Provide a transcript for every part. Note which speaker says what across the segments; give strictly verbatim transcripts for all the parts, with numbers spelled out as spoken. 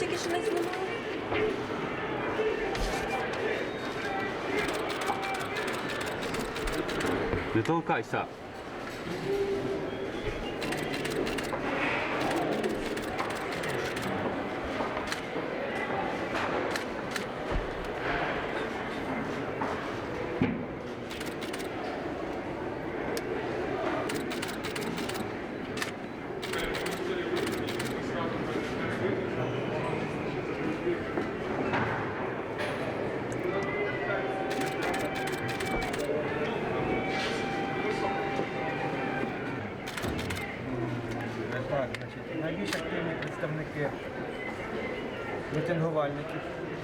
Speaker 1: тільки що не знімали.
Speaker 2: Не толкайся.
Speaker 3: Так, значить, найбільш активні представники мітингувальників.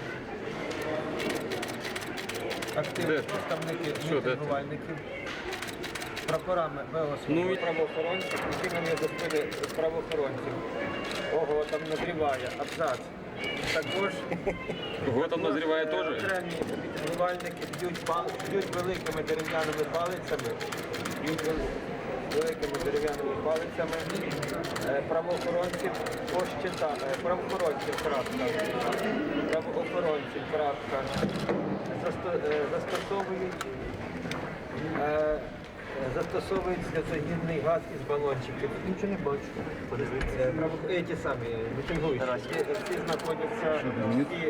Speaker 3: Активні
Speaker 2: Де?
Speaker 3: представники
Speaker 2: Що, де?
Speaker 3: мітингувальників. Прапорами ВО
Speaker 2: Ну, і-
Speaker 3: правоохоронців, причинами за правоохоронців. Ого, там назріває, абзац. Також
Speaker 2: Кого там назріває теж?
Speaker 3: окремі мітингувальники б'ють, пал- б'ють великими дерев'яними палицями, б'ють вели- великими дерев'яними палицями е, правоохоронців пощита, е, правоохоронців крапка, правоохоронців крапка, засто- е, застосовують е, застосовують сльозогінний газ із балончиків. Тут нічого не бачу. Подивіться. Е, ті самі мітингуючі. Всі, всі знаходяться, всі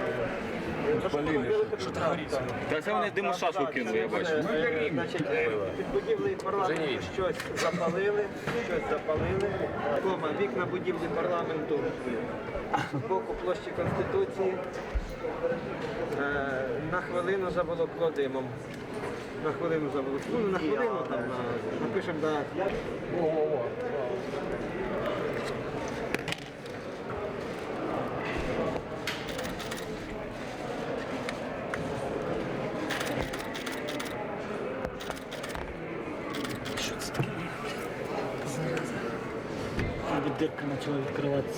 Speaker 2: Та це вони димошашку кинули, я бачу.
Speaker 3: Е, Значить, е, під будівлею парламенту щось запалили, щось запалили. Кома, вікна будівлі парламенту з боку площі Конституції е, на хвилину заволокло димом. На хвилину заволокло. Ну, на хвилину там, на, напишемо, да. О-о-о.
Speaker 4: Дырка начала открываться.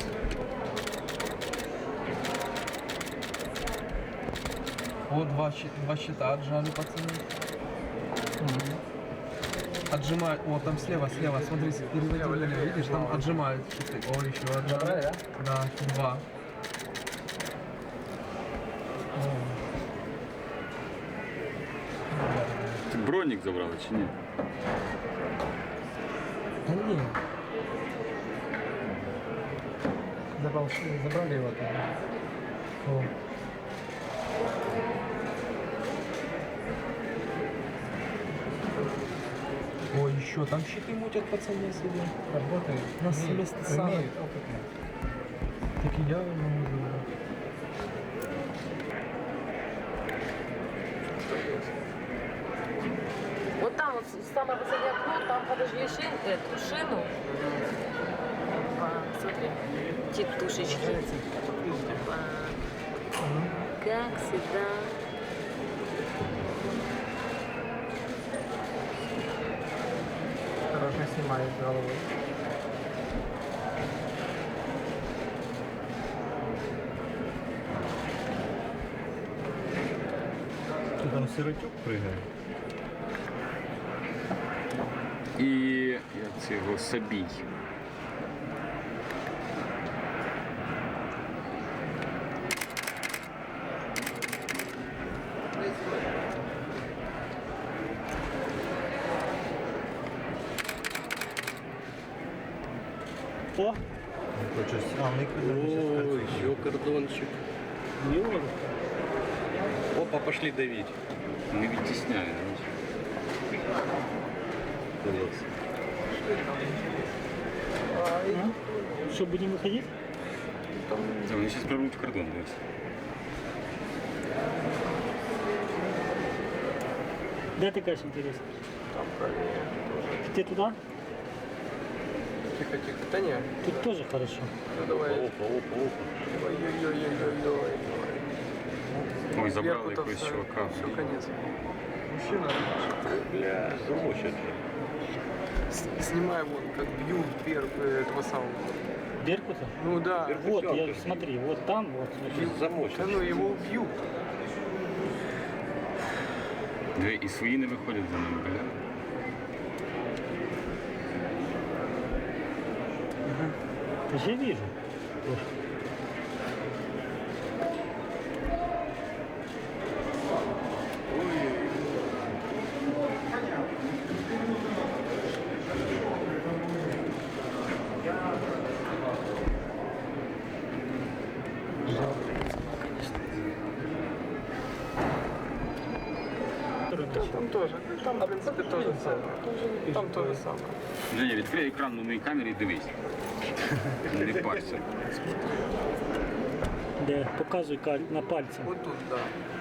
Speaker 5: О, два, щи- два щита отжали, пацаны. Отжимают. О, там слева, слева, смотри, переводи налево. Видишь, там отжимают щиты. О, еще отжали. Да? Да, два.
Speaker 2: Бронік забрали чи ні?
Speaker 5: Да нет. Забрал, забрали его оттуда. О. Ой, еще там щиты мутят, пацаны, себе. Работают. Нас вместо сана. Так и я могу забрать.
Speaker 1: Вот там вот самое последнее окно, там подожди шин, эту шину. Опа, смотри, тетушечки. Опа. Как всегда.
Speaker 3: Осторожно снимает головой.
Speaker 6: Тут там сиротюк пригає.
Speaker 2: І як це його Сабій.
Speaker 4: О,
Speaker 6: Хочеш, а ми куди
Speaker 7: О, еще кордончик.
Speaker 4: не вот.
Speaker 7: Опа, пошли давить.
Speaker 2: Не відтісняє.
Speaker 4: Что, будем выходить?
Speaker 2: Це вони зараз прорвуть кордон, дивись.
Speaker 4: Да, ты, конечно, интересно. Ты туда?
Speaker 3: Тихо, тихо. Да нет.
Speaker 4: Тут тоже хорошо.
Speaker 3: Ну давай.
Speaker 7: Опа, опа, опа.
Speaker 3: Ой-ой-ой-ой-ой.
Speaker 2: Ми забрали якогось чувака.
Speaker 3: Все, конец. Мужчина.
Speaker 7: Бля, замочат же.
Speaker 3: Снимаем вот как бьют вверх этого самого.
Speaker 4: Беркута?
Speaker 3: Ну да.
Speaker 4: Вот, я, смотри, вот там, вот. смотри.
Speaker 7: Замочат.
Speaker 3: Да ну его убьют.
Speaker 2: Дві і свої не виходять за ним, бля.
Speaker 4: Ага. Я вижу.
Speaker 5: теж. Там, в принципі, те ж саме. Там те ж саме.
Speaker 2: Женя, відкрий екран на моїй камері і дивись. Не парся.
Speaker 4: Де? Показуй каль- на пальці.
Speaker 5: Отут, так. Да.